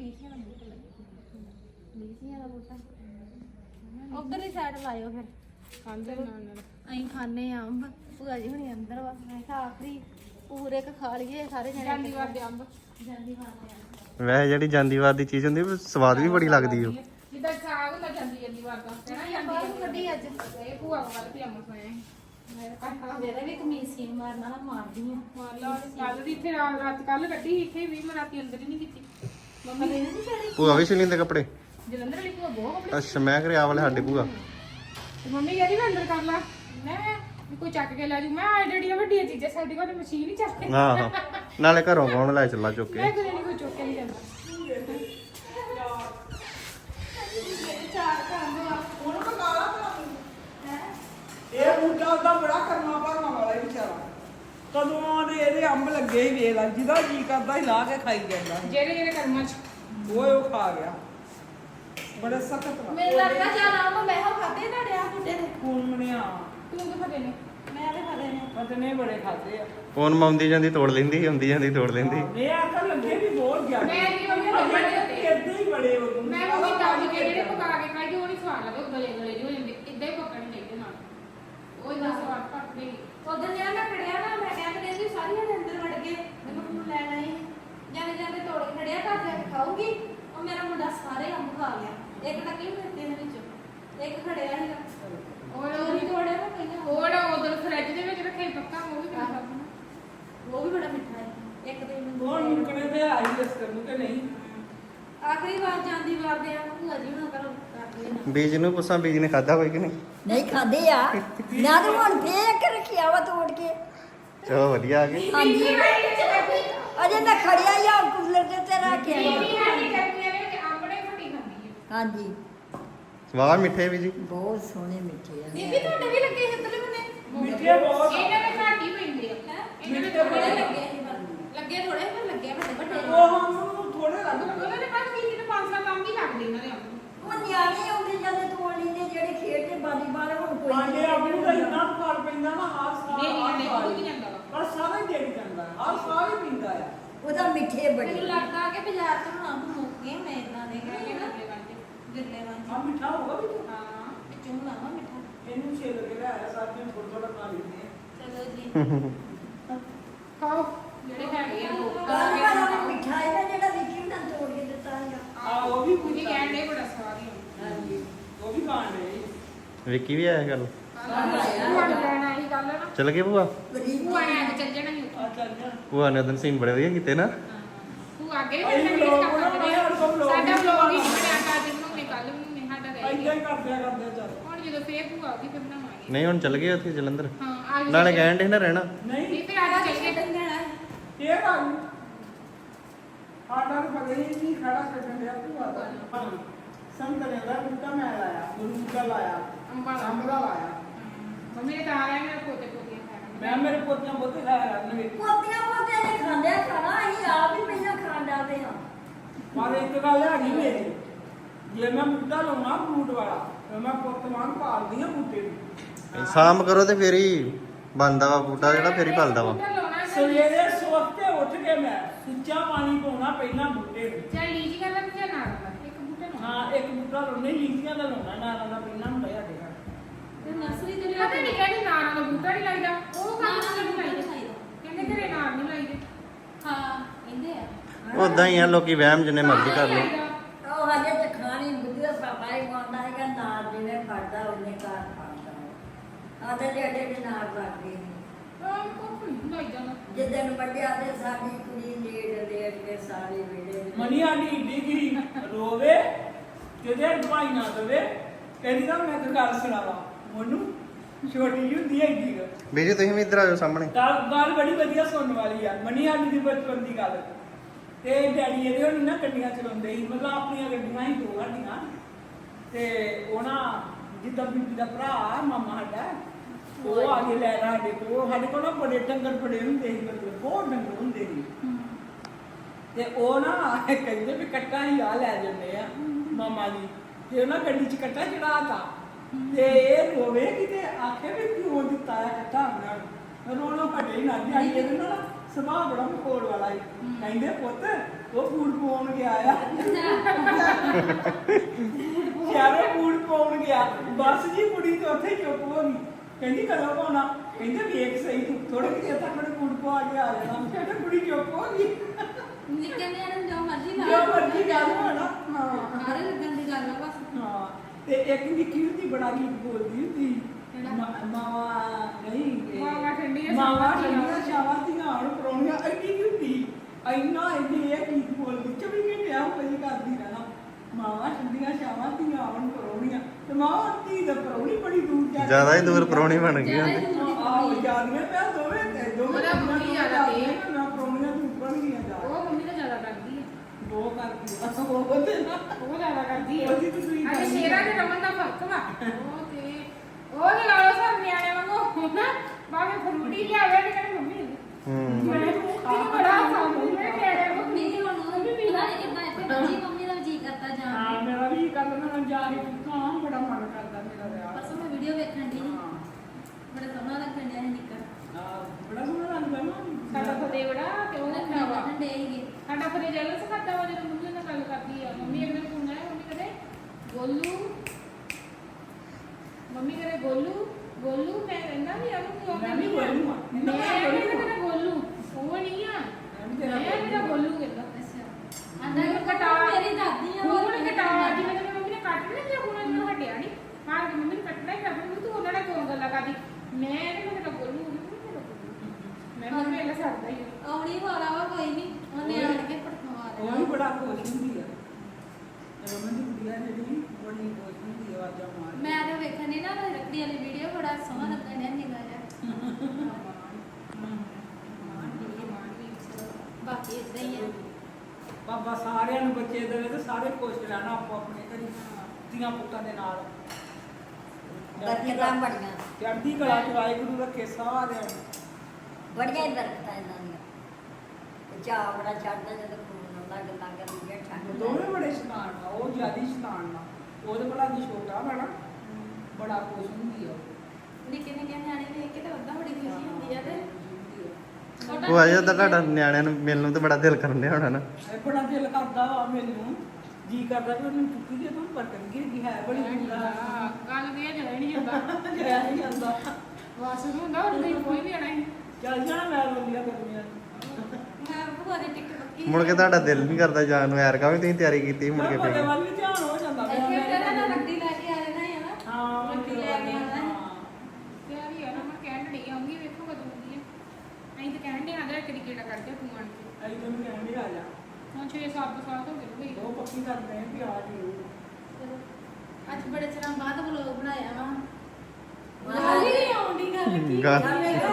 [SPEAKER 2] ਲੀਚੀਆਂ ਦਾ ਬੂਟਾ ਉਧਰ ਹੀ ਸਾਈਡ ਲਾਇਓ ਫਿਰ
[SPEAKER 3] ਕੰਧ ਦੇ ਨਾਲ ਨਾਲ।
[SPEAKER 2] ਅਸੀਂ ਖਾਣੇ ਆ ਅੰਬ। ਭੂਆ ਜੀ ਹੁਣੀ ਅੰਦਰ ਵਾ। ਮੈਂ ਕਿਹਾ ਆਖਰੀ ਪੂਰੇ ਕ ਖਾ ਲਈਏ ਸਾਰੇ ਜਣੇ।
[SPEAKER 3] ਜਾਂਦੀ ਵਾਰ ਦੇ ਅੰਬ
[SPEAKER 2] ਜਾਂਦੀ ਵਾਰ
[SPEAKER 1] ਵੈਸੇ ਜਿਹੜੀ ਜਾਂਦੀਵਾਰ ਦੀ ਚੀਜ਼ ਹੁੰਦੀ ਸਵਾਦ ਵੀ ਬੜੀ ਲੱਗਦੀ ਉਹ।
[SPEAKER 3] ਜਿੱਦਾਂ ਸਾਗ ਹੁੰਦਾ ਜਾਂਦੀ ਵਾਰ ਦਾ ਕਹਿਣਾ ਜਾਂਦੀ
[SPEAKER 2] ਕੱਢੀ ਅੱਜ
[SPEAKER 3] ਇਹ ਭੂਆ ਵਾਲ ਤੇ ਅੰਬ ਸੋਏ
[SPEAKER 2] ਮੇਰੇ ਵੀ ਕਮੀਜ਼ ਸੀ ਮਾਰਨਾ ਨਾ ਮਾਰਦੀ ਆ।
[SPEAKER 3] ਮਾਰ ਲਾ। ਕੱਲ ਦੀ ਇੱਥੇ ਰਾਤ ਕੱਲ ਕੱਢੀ ਇੱਥੇ ਵੀ ਮੈਂ ਰਾਤੀ ਅੰਦਰ ਹੀ ਨਹੀਂ ਕੀਤੀ।
[SPEAKER 2] ਮੰਮੀ ਨੇ ਨਹੀਂ ਛੜੀ।
[SPEAKER 1] ਭੂਆ ਵੀ ਸਿਲਿੰਦੇ ਕੱਪੜੇ।
[SPEAKER 3] ਜਲੰਧਰ ਵਾਲੀ ਭੂਆ ਬਹੁਤ ਕੱਪੜੇ।
[SPEAKER 1] ਅੱਛਾ ਮੈਂ ਕਰਿਆ ਵਾਲੇ ਸਾਡੇ ਭੂਆ।
[SPEAKER 3] ਤੇ ਮੰਮੀ ਕਹਿੰਦੀ ਮੈਂ ਅੰਦਰ ਕਰ ਲਾ। ਮੈਂ ਵੀ ਕੋਈ ਚੱਕ ਕੇ ਲੈ ਜੂ। ਮੈਂ ਆ ਜਿਹੜੀਆਂ ਵੱਡੀਆਂ ਚੀਜ਼ਾਂ ਸਾਡੇ ਕੋਲ ਮਸ਼ੀਨ ਹੀ ਚੱਕ।
[SPEAKER 1] ਹਾਂ ਹਾਂ ਨਾਲੇ ਘਰੋਂ ਕੌਣ ਲੈ ਚੱਲਾ ਚੁੱਕ ਕੇ।
[SPEAKER 3] ਮੈਂ ਕੋਈ ਨਹੀਂ ਕੋਈ ਚੁੱਕ ਕੇ ਨਹੀਂ ਜਾਂਦਾ।
[SPEAKER 4] ਇਹ ਬੂਟਾ ਉਹਦਾ ਬੜਾ ਕਰਮਾ ਭਰਮਾ ਵਾਲਾ ਹੀ ਵਿਚਾਰਾ। ਕਦੋਂ ਦੇ ਇਹਦੇ ਅੰਬ ਲੱਗੇ ਹੀ ਵੇਖ ਲਾ, ਜਿਹਦਾ ਜੀ ਕਰਦਾ ਹੀ ਲਾ ਕੇ ਖਾਈ ਜਾਂਦਾ।
[SPEAKER 3] ਜਿਹੜੇ ਕਰਮਾਂ ਚ
[SPEAKER 4] ਉਹ ਖਾ ਗਿਆ। ਬੜੇ ਸਖਤ ਵਾ।
[SPEAKER 2] ਮੈਨੂੰ ਲੱਗਦਾ ਜਾਂ ਆਮ ਮੈਂ ਹੋ ਖਾਦੇ ਤੁਹਾਡੇ ਆ ਬੁੱਢੇ ਦੇ।
[SPEAKER 4] ਖੂਨ ਮਣਿਆ
[SPEAKER 3] ਤੂੰ ਤਾਂ ਫਦੇ ਨੇ
[SPEAKER 2] ਮੈਂ ਤੇ ਖਾਦੇ ਨੇ।
[SPEAKER 4] ਪਤਾ ਨਹੀਂ ਬੜੇ ਖਾਦੇ ਆ।
[SPEAKER 1] ਫੋਨ ਮਾਉਂਦੀ ਜਾਂਦੀ ਤੋੜ ਲੈਂਦੀ, ਹੁੰਦੀ ਜਾਂਦੀ ਤੋੜ ਲੈਂਦੀ।
[SPEAKER 4] ਇਹ ਆਖਰ ਲੱਗੇ ਵੀ ਬਹੁਤ ਗਿਆ।
[SPEAKER 3] ਮੈਂ ਨਹੀਂ ਮੰਮੀ ਲੱਭਣ ਦਿੱਤੇ।
[SPEAKER 4] ਇੱਦਾਂ ਹੀ ਬੜੇ ਉਦੋਂ।
[SPEAKER 3] ਮੈਂ ਮੰਮੀ ਤਾਜੀ ਕੇ ਜਿਹੜੇ ਪਕਾ ਕੇ ਖਾਈ ਉਹ ਨਹੀਂ ਸਵਾਦ ਲੱਗਦਾ। ਉਹ ਗਲੇ ਗਲੇ ਜਿਹੇ ਹੋ ਜਾਂਦੇ ਇੱਦਾਂ ਹੀ ਪੱਕਣ ਨਹੀਂ ਦੇ ਨਾਲ। ਉਹ ਇੰਨਾ ਸਵਾਦ ਪੱਕਦੇ।
[SPEAKER 2] ਉਦੋਂ ਜਿਹੜਾ ਮੈਂ ਖੜਿਆ ਨਾ ਮੈਂ ਕਹਿੰਦੇ ਸੀ ਸਾਰੀਆਂ ਦੇ ਅੰਦਰ ਵੜ ਗਏ। ਮੈਨੂੰ ਫੋਨ ਲੈਣਾ ਹੀ ਜਾਂਦੇ ਜਾਂਦੇ ਤੋੜ ਕੇ ਖੜਿਆ ਘਰ ਜਾ ਕੇ ਖਾਊਗੀ। ਉਹ ਮੇਰਾ ਮੁੰਡਾ ਸਾਰੇ ਅੰਬ ਖਾ ਗਿਆ। ਇੱਕ ਟੱਕੀ ਮਿਲਦੇ ਨੇ ਵਿੱਚੋਂ ਇੱਕ ਖੜਿਆ ਸੀਗਾ।
[SPEAKER 3] ਉਹ
[SPEAKER 2] ਚੋਰੀ ਤੋੜਿਆ ਨਾ ਪਹਿਲਾਂ।
[SPEAKER 3] ਉਹ ਉਧਰ ਫਰਿੱਜ ਦੇ ਵਿੱਚ ਰੱਖੇ ਪੱਕਾ ਉਹ ਵੀ ਬਣਾ
[SPEAKER 2] ਉਹ ਵੀ ਬੜਾ ਮਿੱਠਾ ਹੈ। ਇੱਕ ਦਿਨ
[SPEAKER 4] ਉਹ ਮੁਕਣੇ ਤੇ ਆਈ ਇਸ ਕਰਨ ਕਿ ਨਹੀਂ।
[SPEAKER 2] ਆਖਰੀ ਵਾਰ ਜਾਂਦੀ ਵਾਰ ਦੇ ਆ ਭੂਆ ਜੀ ਹੁਣਾਂ ਘਰੋਂ
[SPEAKER 1] ਬੀਜ ਨੂੰ ਪੁੱਛਾਂ ਬੀਜ ਨੇ ਖਾਦਾ ਕੋਈ ਕਿ ਨਹੀਂ?
[SPEAKER 5] ਨਹੀਂ ਖਾਦੇ ਆ ਨਾ ਤਾਂ ਹੁਣ ਫੇਰ ਕੇ ਰੱਖਿਆ ਵਾ ਤੋੜ ਕੇ
[SPEAKER 1] ਚਲੋ ਵਧੀਆ ਆ ਗਏ।
[SPEAKER 5] ਹਾਂਜੀ ਅਜੇ ਮੈਂ ਖੜਿਆ ਹੀ ਆ ਕੂਲਰ ਦੇ ਉੱਤੇ ਰੱਖ ਕੇ ਆਈ
[SPEAKER 3] ਬੀਬੀ
[SPEAKER 5] ਆ।
[SPEAKER 3] ਸਾਡੀ ਗਰਮੀਆਂ ਦੇ ਵਿੱਚ ਅੰਬ ਨੇ ਫੁੱਟੀ ਖਾਂਦੀ ਹੈ।
[SPEAKER 5] ਹਾਂਜੀ
[SPEAKER 1] ਵਾਹ ਮਿੱਠੇ ਵੀ ਜੀ।
[SPEAKER 5] ਬਹੁਤ ਸੋਹਣੇ ਮਿੱਠੇ ਆ
[SPEAKER 2] ਬੀਬੀ ਤੁਹਾਡੇ ਵੀ ਲੱਗੇ ਸੀ ਇੱਧਰਲੇ ਬੰਨੇ
[SPEAKER 4] ਮਿੱਠੇ ਬਹੁਤ
[SPEAKER 3] ਇਹਨਾਂ ਦੇ ਘੱਟ ਹੀ ਪੈਂਦੇ ਆ। ਇਹਨਾਂ ਦੇ
[SPEAKER 4] ਮਿੱਠੇ
[SPEAKER 3] ਥੋੜੇ
[SPEAKER 2] ਥੋੜੇ
[SPEAKER 3] ਲੱਗੇ।
[SPEAKER 2] ਲੱਗੇ ਸੀ ਪਰ ਲੱਗੇ ਥੋੜੇ ਪਰ ਲੱਗੇ ਵੱਡੇ ਵੱਡੇ
[SPEAKER 4] ਉਹ ਹਮ ਥੋੜੇ ਲੱਗ
[SPEAKER 3] ਉਹਨਾਂ ਦੇ ਬਾਅਦ ਕੀ ਨੇ 5 ਕੰਮ ਹੀ ਲੱਗਦੇ ਇਹਨਾਂ ਦੇ ਅੰਬ।
[SPEAKER 5] ਉਹ ਨਿਆਣੇ ਆਉਂਦੇ ਜਦੋਂ ਤੋੜ ਲੈਂਦੇ ਜਿਹੜੇ ਖੇਡਦੇ ਵਾਲੀਬਾਲ ਹੁਣ ਕੋਈ
[SPEAKER 4] ਆਂਡੇ ਆਪਣੀ ਦਾ ਇੰਨਾ ਫਲ ਪੈਂਦਾ ਨਾ ਹਰ ਸਾਲ
[SPEAKER 3] ਨਹੀਂ
[SPEAKER 4] ਹਰ
[SPEAKER 3] ਨਹੀਂ
[SPEAKER 4] ਸਾਲ
[SPEAKER 3] ਨਹੀਂ
[SPEAKER 4] ਹੀ।
[SPEAKER 3] ਜਾਂਦਾ ਵਾ।
[SPEAKER 4] ਪਰ ਸਾਰਾ ਹੀ ਦੇਖ ਜਾਂਦਾ ਹੈ, ਹਰ ਸਾਲ ਹੀ ਪੀਂਦਾ ਆ
[SPEAKER 5] ਉਹਦਾ ਮਿੱਠੇ ਬੜੇ
[SPEAKER 2] ਮੈਨੂੰ ਲੱਗਦਾ ਕਿ ਬਾਜ਼ਾਰ ਤੋਂ ਹੁਣ ਅੰਬ ਮੁੱਕ ਗਏ ਮੈਂ ਇਦਾਂ ਦੇ
[SPEAKER 3] ਹੈਗੇ
[SPEAKER 2] ਨਾ
[SPEAKER 3] ਲੱਗੇ ਵਾਂਝੇ।
[SPEAKER 2] ਗਿਰਲੇ ਵਾਂਝੇ
[SPEAKER 4] ਆ ਮਿੱਠਾ ਹੋਗਾ ਵੀ ਤੂੰ
[SPEAKER 3] ਹਾਂ
[SPEAKER 2] ਵਿੱਚੋਂ ਲਾਵਾ ਮਿੱਠਾ
[SPEAKER 4] ਇਹਨੂੰ ਛੇਲ ਕੇ ਲਿਆਇਆ ਸਾਥੀਆਂ ਥੋੜਾ ਥੋੜਾ ਖਾ ਲੈਂਦੇ ਆ
[SPEAKER 2] ਚਲੋ ਜੀ
[SPEAKER 3] ਖਾਓ ਜਿਹੜੇ ਹੈਗੇ ਆ ਲੋਕ
[SPEAKER 5] ਕੱਲ ਵਾਲਾ ਮਿੱਠਾ ਇਹਦਾ ਜਿਹੜਾ ਵਿੱਕੀ ਨੇ ਤੋੜ ਕੇ ਦਿੱਤਾ ਹੈਗਾ
[SPEAKER 4] ਆ ਉਹ ਵੀ
[SPEAKER 3] ਕੁਝ ਕਹਿਣ ਦੇ ਬੜਾ ਸਵਾਦ ਹੀ
[SPEAKER 4] ਹਾਂਜੀ ਉਹ ਵੀ ਖਾਣ ਦੇ
[SPEAKER 1] ਵਿੱਕੀ ਵੀ ਆਇਆ ਗੱਲ
[SPEAKER 3] ਭੂਆ ਨੂੰ ਲੈਣ ਆਈ ਗੱਲ ਨਾ
[SPEAKER 1] ਚਲ ਗਏ ਭੂਆ?
[SPEAKER 5] ਗਰੀਬ
[SPEAKER 3] ਭੂਆ ਨੇ ਅੱਜ ਚੱਲ ਜਾਣਾ ਸੀ ਉੱਥੇ।
[SPEAKER 4] ਆ ਚੱਲ ਜਾ
[SPEAKER 1] ਭੂਆ ਨੇ ਉਦੋਂ ਸੀਨ ਬੜੇ ਵਧੀਆ ਕੀਤੇ ਨਾ।
[SPEAKER 3] ਭੂਆ ਅੱਗੇ ਵੀ
[SPEAKER 4] ਅਸੀਂ
[SPEAKER 3] ਚੱਲ
[SPEAKER 4] vlog
[SPEAKER 3] ਕੰਮ ਕਰਦੇ
[SPEAKER 4] ਬਣਾਉਣਾ,
[SPEAKER 3] ਆ।
[SPEAKER 4] ਸਾਡਾ vlog
[SPEAKER 3] ਸਾਡਾ
[SPEAKER 4] ਵੀ
[SPEAKER 3] ਵਲੌਗ ਹੀ ਬਣਿਆ ਕੱਲ ਬਣਾਉਣੇ ਕੱਲ ਬਣਾਉਣੇ ਸਾਡਾ ਰਹਿ
[SPEAKER 4] ਏਦਾਂ
[SPEAKER 3] ਗਿਆ।
[SPEAKER 4] ਹੀ ਕਰਦੇ ਚੱਲ
[SPEAKER 3] ਹੁਣ ਜਦੋਂ ਫੇਰ ਭੂਆ ਆਉਗੀ ਫਿਰ ਬਣਾਵਾਂਗੇ।
[SPEAKER 1] ਨਹੀਂ ਹੁਣ ਚੱਲ ਗਏ ਉੱਥੇ ਜਲੰਧਰ।
[SPEAKER 3] ਹਾਂ ਆ ਜਾਓ।
[SPEAKER 1] ਨਾਲੇ ਕਹਿਣ ਦੇ ਨਾ ਰਹਿਣਾ।
[SPEAKER 4] ਨਹੀਂ
[SPEAKER 3] ਨਹੀਂ ਫਿਰ ਅੱਜ ਚੱਲ ਗਏ।
[SPEAKER 2] ਕੱਢਣ ਜਾਣਾ
[SPEAKER 4] ਇਹ ਗੱਲ ਸਾਡਾ ਤਾਂ ਪਤਾ ਹੀ ਨਹੀਂ ਖੜਾ ਛੱਡਣ ਦਿਆ ਭੂਆ ਦਾ ਸੰਤਰੇ ਦਾ ਬੂਟਾ ਮੈਂ ਲਾਇਆ ਅਮਰੂਦ ਦਾ ਲਾਇਆ
[SPEAKER 3] ਅੰਬਾਂ ਦਾ।
[SPEAKER 4] ਅੰਬ ਦਾ ਲਾਇਆ
[SPEAKER 3] ਮੰਮੀ ਨੇ ਤਾਂ ਆਇਆ ਮੇਰੇ ਪੋਤੇ ਪੋਤੀਆਂ ਖਾਣਾ।
[SPEAKER 4] ਮੈਂ ਮੇਰੇ ਪੋਤਿਆਂ ਬੋਤੇ ਖਾਇਆ ਕਰਨਗੇ
[SPEAKER 5] ਪੋਤੀਆਂ ਪੋਤਿਆਂ ਨੇ ਖਾਂਦੇ ਖਾਣਾ ਅਸੀਂ ਆਪ ਹੀ ਪਹਿਲਾਂ ਖਾਣ ਡਾਦੇ ਆ
[SPEAKER 4] ਪਰ ਇੱਕ ਗੱਲ ਹੈਗੀ ਮੇਰੀ ਜੇ ਮੈਂ ਬੂਟਾ ਲਾਉਣਾ ਫਰੂਟ ਵਾਲਾ ਤੇ ਮੈਂ ਪੁੱਤ ਵਾਂਗ ਪਾਲਦੀ ਆ ਬੂਟੇ ਨੂੰ
[SPEAKER 1] ਸ਼ਾਮ ਕਰੋ ਤੇ ਫੇਰ ਹੀ ਬਣਦਾ ਵਾ ਬੂਟਾ ਜਿਹੜਾ ਫੇਰ ਹੀ ਪਲਦਾ ਵਾ।
[SPEAKER 3] ਬੂਟਾ ਲਾਉਣਾ ਸੀ।
[SPEAKER 4] ਸਵੇਰੇ ਸਵਖਤੇ ਉੱਠ ਕੇ ਮੈਂ ਸੁੱਚਾ ਪਾਣੀ ਪਾਉਣਾ ਪਹਿਲਾਂ ਬੂਟੇ ਨੂੰ
[SPEAKER 3] ਚੱਲ ਲੀਜੀ ਕਰ ਲੈ ਤੇ ਨਾ ਲਾ ਇੱਕ ਬੂਟਾ ਲਾਉਣਾ।
[SPEAKER 4] ਹਾਂ ਇੱਕ ਬੂਟਾ ਲਾਉਣੇ ਲੀਚੀਆਂ ਦਾ ਲਾਉਣਾ ਨਾਰਾਂ ਦਾ ਪਹਿਲਾਂ ਹੁੰਦਾ ਸਾਡੇ ਘਰ
[SPEAKER 2] ਤੇ ਨਰਸਰੀ ਤੇ ਲਿਆ
[SPEAKER 3] ਪਤਾ ਨਹੀਂ ਕਿਹੜੀ ਨਾਰਾਂ ਦਾ ਬੂਟਾ ਨਹੀਂ ਲੱਗਦਾ ਉਹ ਕੰਮ
[SPEAKER 2] ਨਾਰਾਂ ਦਾ
[SPEAKER 3] ਨਹੀਂ
[SPEAKER 2] ਬੂਟਾ
[SPEAKER 3] ਲਾਈਦੇ।
[SPEAKER 2] ਨਹੀਂ ਲਾਈਦਾ।
[SPEAKER 3] ਕਹਿੰਦੇ ਘਰੇ ਨਾਰ ਨਹੀਂ ਲਾਈਦੇ।
[SPEAKER 2] ਹਾਂ ਕਹਿੰਦੇ ਆ
[SPEAKER 1] ਉਦਾਂ ਹੀ ਆ ਲੋਕੀ ਵਹਿਮ ਜਿੰਨੇ ਮਰਜ਼ੀ ਕਰ ਲਓ।
[SPEAKER 5] ਉਹ ਹਜੇ ਤੇ ਖਾਣੀ ਬੁੱਧੀਆ ਪਾਪਾ ਹੀ ਮੰਨਦਾ ਹੈਗਾ ਨਾਰ ਜਿਵੇਂ ਫੜਦਾ ਉਹਨੇ ਘਰ ਫੜਦਾ ਆ ਤੇ ਜਿਹੜੇ ਨਾਰ ਲੱਗਦੇ ਨੇ
[SPEAKER 3] ਹਾਂ ਕੋਈ ਨਹੀਂ ਲਾਈਦਾ ਨਾ।
[SPEAKER 5] ਜਿੱਦਣ ਵੱਡਿਆ ਤੇ ਸਾਡੀ ਕੁੜੀ ਲੇਟ ਕੇ ਸਾਰੇ ਵੇਲੇ
[SPEAKER 4] ਮਨੀ ਆਂਟੀ ਏਡੀ ਕੀ ਰੋਵੇ ਕਿਤੇ ਦਵਾਈ ਨਾ ਦੇਵੇ ਕਹਿੰਦੀ ਤਾਂ ਮੈਂ ਇੱਕ ਗੱਲ ਸੁਣਾਵਾ ਉਹਨੂੰ ਛੋਟੀ ਜਿਹੀ ਹੁੰਦੀ ਹੈ ਏਡੀ ਕੁ।
[SPEAKER 1] ਬੀਜੀ ਤੁਸੀਂ ਵੀ ਇੱਧਰ ਆ ਜਾਓ ਸਾਹਮਣੇ।
[SPEAKER 4] ਗੱਲ ਬੜੀ ਵਧੀਆ ਸੁਣਨ ਵਾਲੀ ਆ ਮਨੀ ਆਂਟੀ ਦੀ ਬਚਪਨ ਦੀ ਗੱਲ ਤੇ ਡੈਡੀ ਇਹਦੇ ਹੁਣ ਨਾ ਗੱਡੀਆਂ ਚਲਾਉਂਦੇ ਸੀ ਮਤਲਬ ਆਪਣੀਆਂ ਗੱਡੀਆਂ ਹੀ ਦੋ ਗੱਡੀਆਂ ਤੇ ਉਹ ਨਾ ਜਿੱਦਾਂ ਬੀਬੀ ਦਾ ਭਰਾ ਮਾਮਾ ਸਾਡਾ ਉਹ ਆ ਕੇ ਲੈ ਰਾ ਸਾਡੇ ਕੋਲ ਨਾ ਬੜੇ ਡੰਗਰ ਬੜੇ ਹੁੰਦੇ ਸੀ ਮਤਲਬ ਬਹੁਤ ਡੰਗਰ ਹੁੰਦੇ ਸੀ ਤੇ ਉਹ ਨਾ ਕਹਿੰਦੇ ਵੀ ਕੱਟਾ ਹੀ ਆ ਲੈ ਜਾਂਦੇ ਆ ਮਾਮਾ ਜੀ ਤੇ ਉਹਨਾਂ ਗੱਡੀ 'ਚ ਕੱਟਾ ਚੜਾਤਾ ਤੇ ਇਹ ਰੋਵੇ ਕਿਤੇ ਆਖੇ ਵੀ ਕਿਉਂ ਦਿੱਤਾ ਹੈ ਕੱਟਾ ਉਹਨਾਂ ਨੂੰ ਰੋਣਾ ਫਟੇ ਹੀ ਨਾ ਜਾਈ ਇਹਦੇ ਨਾਲ ਸੁਭਾਅ ਬੜਾ ਮਖੌਲ ਵਾਲਾ ਹੈ ਕਹਿੰਦੇ ਪੁੱਤ ਉਹ ਫੂਡ ਪਾਉਣ ਗਿਆ ਆ ਸ਼ਹਿਰੋਂ ਫੂਡ ਪਾਉਣ ਗਿਆ ਬਸ ਜੀ ਕੁੜੀ ਤੇ ਉੱਥੇ ਚੁੱਪ ਹੋ ਗਈ ਕਹਿੰਦੀ ਕਦੋਂ ਪਾਉਣਾ ਕਹਿੰਦੇ ਵੇਖ ਸਹੀ ਤੂੰ ਥੋੜੇ ਕਿ ਤੱਕ ਮੈਨੂੰ ਫੂਡ ਪਾ ਕੇ ਆ ਜਾਣਾ ਕਹਿੰਦੇ ਕੁੜੀ ਚੁੱਪ ਹੋ ਗਈ
[SPEAKER 2] ਨਿੱਕੇ ਨੇ ਜੋ ਮਰਜ਼ੀ
[SPEAKER 4] ਜੋ
[SPEAKER 2] ਲਾ
[SPEAKER 4] ਮਰਜ਼ੀ ਗੱਲ ਹੋਣਾ ਹਾਂ
[SPEAKER 2] ਸਾਰੇ ਲੱਗਣ ਦੀ ਗੱਲ ਆ ਬਸ
[SPEAKER 4] ਹਾਂ ਤੇ ਇੱਕ ਨਿੱਕੀ ਹੁੰਦੀ ਬੜਾ ਗੀਤ ਬੋਲਦੀ ਹੁੰਦੀ
[SPEAKER 2] ਕਿਹੜਾ?
[SPEAKER 4] ਮਾਵਾ ਨਹੀਂ
[SPEAKER 3] ਮਾਵਾਂ ਠੰਡੀਆਂ
[SPEAKER 4] ਮਾਵਾ
[SPEAKER 3] ਛਾਵਾਂ
[SPEAKER 4] ਠੰਡੀਆਂ ਛਾਵਾਂ ਦੀਆਂ ਆਉਣ ਪਰੋਣੀਆਂ ਐਡੀ ਕੀ ਹੁੰਦੀ ਇੰਨਾ ਇੰਨੀ ਇਹ ਗੀਤ ਬੋਲਦੀ 24 ਘੰਟੇ ਆ ਪਈ ਕਰਦੀ ਰਹਿਣਾ ਮਾਵਾ ਠੰਡੀਆਂ ਛਾਵਾਂ ਦੀਆਂ ਆਉਣ ਪਰੋਣੀਆਂ ਤੇ ਮਾਵਾ ਧੀ ਦਾ ਪਰੋਣੀ ਬੜੀ ਦੂਰ ਜਾ
[SPEAKER 1] ਜ਼ਿਆਦਾ ਹੀ ਦੂਰ ਪਰੌਣੀ ਬਣ ਗਈ
[SPEAKER 2] ਜ਼ਿਆਦਾ
[SPEAKER 1] ਹੁਣ
[SPEAKER 2] ਹੀ
[SPEAKER 1] ਤੇ।
[SPEAKER 2] ਦੂਰ ਦੀ
[SPEAKER 4] ਆਹ
[SPEAKER 2] ਪਰੌਣੀ।
[SPEAKER 4] ਯਾਦੀਆਂ ਪਿਆ ਦੋਵੇਂ
[SPEAKER 3] ਉਹਦਾ ਮੰਮੀ ਜ਼ਿਆਦਾ ਤੇਜ਼।
[SPEAKER 4] ਮੈਂ ਪਰੋਣੀਆਂ ਤੂੰ ਬਣ ਗਈਆਂ ਜਾ
[SPEAKER 3] ਉਹ ਮੰਮੀ ਤਾਂ ਜ਼ਿਆਦਾ ਕਰਦੀ ਹੈ।
[SPEAKER 4] ਉਹ ਕਰਦੀ ਆ ਉਹ ਤੇ ਨਾ
[SPEAKER 3] ਉਹ ਜ਼ਿਆਦਾ ਕਰਦੀ ਹੈ।
[SPEAKER 4] ਉਹਦੀ ਤਾਂ ਤੁਸੀਂ
[SPEAKER 3] ਅਰੇ
[SPEAKER 4] ਕਰਦੀ
[SPEAKER 3] ਸ਼ੇਰਾਂ
[SPEAKER 4] ਆ।
[SPEAKER 3] ਦੇ ਰਮਨ ਦਾ ਫਰਕ ਵਾ ਉਹ ਤੇ ਲਾਲੋ ਸਭ ਨਿਆਣੇ ਵਾਂਗੂ ਨਾ ਬਾਵੇਂ ਫਰੂਟੀ ਲਿਆਵੇ ਤੇ ਕਹਿੰਦੇ ਮੰਮੀ
[SPEAKER 1] ਹੂੰ
[SPEAKER 3] ਮੈਂ ਇਹ ਬੜਾ ਸਾਮੂ ਮੈਂ ਕਹਿ ਰਿਹਾ
[SPEAKER 2] ਮੇਰੀ ਹੁਣ ਉਹ ਵੀ ਪੀਲਾ ਨਹੀਂ ਕਿਦਾਂ ਇੱਥੇ ਬੱਜੀ ਮੰਮੀ ਦਾ ਜੀ ਕਰਦਾ ਜਾਣ
[SPEAKER 4] ਹਾਂ ਮੇਰਾ ਵੀ ਕਰਦਾ ਮੈਂ ਜਾ ਕੇ ਕਾਂ ਬੜਾ ਮਨ ਕਰਦਾ ਮੇਰਾ ਵਿਆਹ
[SPEAKER 2] ਪਰਸੋਂ ਮੈਂ ਵੀਡੀਓ ਵੇਖਣ ਦੀ
[SPEAKER 4] ਹਾਂ
[SPEAKER 2] ਬੜਾ ਸੋਹਣਾ ਲੱਗਣ ਡਿਆ ਸੀ ਨਿੱਕਰ
[SPEAKER 4] ਬੜਾ ਸੋਹਣਾ ਲੱਗਦਾ ਨਾ
[SPEAKER 3] ਸਾਡਾ ਫਤੇ ਬੜਾ ਤੇ ਉਹ
[SPEAKER 2] ਉਹਨੇ
[SPEAKER 3] ਰੱਖਿਆ ਵਾ
[SPEAKER 2] ਲੱਗਣ ਡੇ ਸੀਗੇ
[SPEAKER 3] ਸਾਡਾ ਫਤੇ ਜੈਲਸ ਕਰਦਾ ਵਾ ਜਦੋਂ ਮੰਮੀ ਨਾਲ ਗੱਲ ਕਰਦੀ ਆ ਮੰਮੀ ਇੱਕ ਦਿਨ ਫੋਨ ਆਇਆ ਮੰਮੀ ਕਹਦੇ ਗੋਲੂ ਮੰਮੀ ਕਹਦੇ ਗੋਲੂ ਮੈਂ ਕਹਿੰਦਾ ਵੀ ਉਹਨੂੰ ਕਿਉਂ
[SPEAKER 4] ਮੈਂ ਵੀ
[SPEAKER 3] ਕਹਿੰਦੀ ਆ?
[SPEAKER 4] ਗੋਲੂ ਆ।
[SPEAKER 3] ਮੈਂ ਕਹਿੰਦਾ ਗੋਲੂ ਉਹ ਨਹੀਂ ਆ
[SPEAKER 4] ਤੇਰਾ
[SPEAKER 3] ਮੈਂ ਮੇਰਾ ਗੋਲੂ ਕਹਿੰਦਾ
[SPEAKER 2] ਅੱਛਾ ਆਂਦਾ ਕਿ
[SPEAKER 3] ਕਟਾ
[SPEAKER 2] ਮੇਰੀ ਦਾਦੀ ਆ
[SPEAKER 3] ਹੁਣ ਕਟਾ ਜਿਵੇਂ ਜਿਵੇਂ ਮੰਮੀ ਨੇ ਕੱਟ ਲਿਆ ਜੇ ਹੁਣ ਇਹਨੂੰ ਹਟਿਆ ਨਹੀਂ ਹਾਂ ਕਿ ਮੰਮੀ ਨੇ ਕੱਟਣਾ ਹੀ ਕਰਦਾ ਤੂੰ ਉਹਨਾਂ ਨਾਲ ਕਿਉਂ ਗੱਲਾਂ ਕਰਦੀ ਮੈਂ ਇਹਨੂੰ ਮੇਰਾ ਗੋਲੂ ਮੈਂ ਮੰਮੀ ਇਹਦਾ ਸਰਦਾ ਹੀ ਆ।
[SPEAKER 2] ਆਉਣੀ ਵਾਲਾ ਵਾ ਕੋਈ ਨਹੀਂ ਉਹਨੇ ਆਣ ਕੇ ਪੜਖਵਾ
[SPEAKER 4] ਉਹ ਵੀ ਬੜਾ ਖੁਸ਼ ਹੁੰਦੀ ਆ ਰਮਨ ਦੀ ਕੁੜੀਆ ਜਿਹੜੀ ਬੜੀ ਖੁਸ਼ ਹੁੰਦੀ ਬਾਬਾ ਸਾਰਿਆਂ ਨੂੰ ਬੱਚੇ ਦੇਵੇ ਤੇ ਸਾਰੇ ਖੁਸ਼ ਰਹਿਣਾ ਆਪੋ ਆਪਣੇ ਘਰੀ ਧੀਆਂ ਪੁੱਤਾਂ ਦੇ ਨਾਲ
[SPEAKER 5] ਬਰਕਤਾਂ ਬੜੀਆਂ
[SPEAKER 4] ਚੜ੍ਹਦੀ ਕਲਾ ਚ ਵਾਹਿਗੁਰੂ ਰੱਖੇ ਸਾਰਿਆਂ ਨੂੰ।
[SPEAKER 5] ਬੜੀਆਂ ਹੀ ਬਰਕਤਾਂ ਇਹਨਾਂ ਦੀਆਂ ਤੇ ਚਾਅ ਬੜਾ ਚੜ੍ਹਦਾ ਜਦੋਂ ਖੂਨ ਆਉਂਦਾ ਗੱਲਾਂ ਕਰਦੀਆਂ ਠੰਡ
[SPEAKER 4] ਦੋਵੇਂ ਬੜੇ ਸ਼ੈਤਾਨ ਆ, ਉਹ ਜਿਆਦੀ ਸ਼ੈਤਾਨ ਆ। ਉਹਦੇ ਭਲਾ ਦੀ ਛੋਟਾ ਵਾ ਨਾ ਬੜਾ ਖੁਸ਼ ਹੁੰਦੀ ਆ ਉਹ।
[SPEAKER 2] ਨਿੱਕੇ ਨਿੱਕੇ ਨਿਆਣੇ ਦੇਖ ਕੇ ਤਾਂ ਉਦਾਂ ਬੜੀ ਖੁਸ਼ੀ ਹੁੰਦੀ ਆ ਤੇ
[SPEAKER 1] ਉਹ ਅਜੇ ਤਾਂ ਤੁਹਾਡਾ ਨਿਆਣਿਆਂ ਨੂੰ ਮਿਲਣ ਨੂੰ ਤੇ ਬੜਾ ਦਿਲ ਕਰਨ ਡਿਆ ਹੋਣਾ ਨਾ।
[SPEAKER 4] ਇਹ ਬੜਾ ਦਿਲ ਕਰਦਾ ਵਾ ਮੈਨੂੰ, ਜੀ ਕਰਦਾ ਕਿ ਉਹਨੂੰ ਚੁੱਕੀ ਦੇ ਤੋਂ ਬਰਕਤ ਕੀ ਹੈ ਬੜੀ ਹੁੰਦਾ
[SPEAKER 3] ਗੱਲ ਤੇ ਇਹ ਜਿਹੜਾ ਨਹੀਂ ਜਾਂਦਾ
[SPEAKER 4] ਜਇਆ ਨਹੀਂ ਜਾਂਦਾ।
[SPEAKER 3] ਵਾਸ ਨੂੰ ਹੁੰਦਾ ਹੋਰ ਨਹੀਂ ਕੋਈ ਵੀ ਆਣਾ ਹੀ
[SPEAKER 4] ਚੱਲ ਜਾਣਾ ਮੈਂ ਰੋਲੀਆਂ ਕਰਨੀਆਂ।
[SPEAKER 2] ਮੈਂ ਭੂਆ ਦੀ ਟਿਕਟ ਪੱਕੀ
[SPEAKER 1] ਮੁੜ ਕੇ ਤੁਹਾਡਾ ਦਿਲ ਨਹੀਂ ਕਰਦਾ ਜਾਣ ਨੂੰ। ਐਰਕਾ ਵੀ ਤੁਸੀਂ ਤਿਆਰੀ ਕੀਤੀ ਸੀ ਮੁੜ ਕੇ
[SPEAKER 4] ਬੜੇ
[SPEAKER 1] ਫੇਰ
[SPEAKER 4] ਵੱਲ ਵੀ ਧਿਆਨ ਹੋ ਜਾਂਦਾ ਵਾ।
[SPEAKER 2] ਇੱਥੇ ਤੇਰਾ ਨਾ ਰੱਦੀ ਲੈ ਕੇ ਆ ਜਾਣਾ ਹੈ ਨਾ
[SPEAKER 4] ਹਾਂ
[SPEAKER 2] ਰੱਦੀ ਲੈ ਕੇ ਆਉਣਾ ਹੈ।
[SPEAKER 3] ਤਿਆਰ ਹੀ ਆ ਨਾ ਮੈਂ ਕਹਿਣ ਡਈ ਆਉਂਗੀ ਵੇਖੋ ਕਦੋਂ ਆਉਂਦੀ ਹੈ ਅਸੀਂ ਤਾਂ ਕਹਿਣ ਦੇ ਆ ਜਾ ਕਦੀ ਕਿਹੜਾ ਕੱਢ ਜਾ ਤੂੰ ਆਣ ਕੇ
[SPEAKER 4] ਅਈ ਤੈਨੂੰ ਕਹਿੰਦੀ ਆ ਜਾ
[SPEAKER 3] ਹੁਣ 6-7 ਸਾਲ ਹੋ ਗਏ ਹੋਈ
[SPEAKER 4] ਉਹ ਪੱਕੀ ਕਰਦੇ ਆ ਵੀ ਆ ਜੀ।
[SPEAKER 2] ਚਲੋ, ਅੱਜ ਬੜੇ ਚਿਰਾਂ ਬਾਅਦ ਵਲੋਗ ਬਣਾਇਆ ਵਾ
[SPEAKER 5] ਵਾਹ।
[SPEAKER 2] ਗੱਲ ਹੀ ਨਹੀਂ ਆਉਂਦੀ ਗੱਲ ਕੀ
[SPEAKER 1] ਗੱਲ।